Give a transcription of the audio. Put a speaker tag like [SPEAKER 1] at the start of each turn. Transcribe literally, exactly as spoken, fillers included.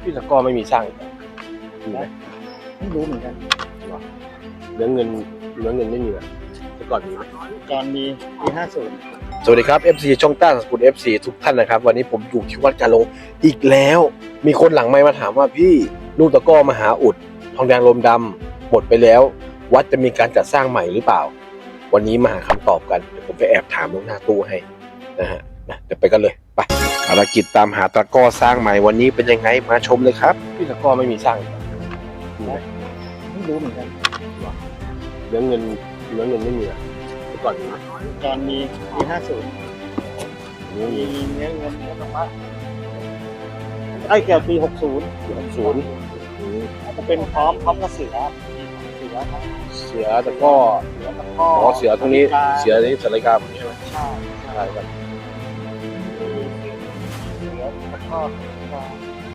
[SPEAKER 1] พี่ตะก้อไม่มีสร้างอีกเหรอมีไหม
[SPEAKER 2] ไม่รู้เหมือนกัน
[SPEAKER 1] เรื่องเงินเรื่องเงินไม่มีเหรอแต่ก่อนมีไหม
[SPEAKER 2] ตอนมีปีห้าศูนย์
[SPEAKER 1] สวัสดีครับ เอฟ ซี ช่องต้าสกุล เอฟ ซี ทุกท่านนะครับวันนี้ผมอยู่ที่วัดกาหลงอีกแล้ว มีคนหลังไมค์มาถามว่าพี่ลูกตะก้อมหาอุดทองแดงลมดำหมดไปแล้ว วัดจะมีการจัดสร้างใหม่หรือเปล่า วันนี้มาหาคำตอบกันเดี๋ยวผมไปแอบถามลูกหน้าตู้ให้นะฮะนะเดี๋ยวไปกันเลยไปภารกิจตามหาตะก้อสร้างใหม่วันนี้เป็นยังไงมาชมเลยครับพี่ตะก้อไม่มีสร้างอีกเหรอมีไหม
[SPEAKER 2] ไม่รู้เหมือนกัน
[SPEAKER 1] เรื่องเงินเรื่องเงินไม่มีเหรอแต่ก่อนมีไหม
[SPEAKER 2] ตอนมีปีห้าศูนย์
[SPEAKER 1] ไม่มี
[SPEAKER 2] มีเงินเงินเงินธรรมะไอ้เกี่ยวปีหกศูนย์
[SPEAKER 1] หกศูนย์
[SPEAKER 2] จะเป็นพร้อมพร้อมกับเสือเสือทั้ง
[SPEAKER 1] เสือตะก้อ
[SPEAKER 2] เสือตะก้อ
[SPEAKER 1] อ๋อเสือตรงนี้เสือ
[SPEAKER 2] ใ
[SPEAKER 1] นี้เสือรายการผมใช่ไหม
[SPEAKER 2] ช่
[SPEAKER 1] ใช่ครับ
[SPEAKER 2] เสือตะก้อ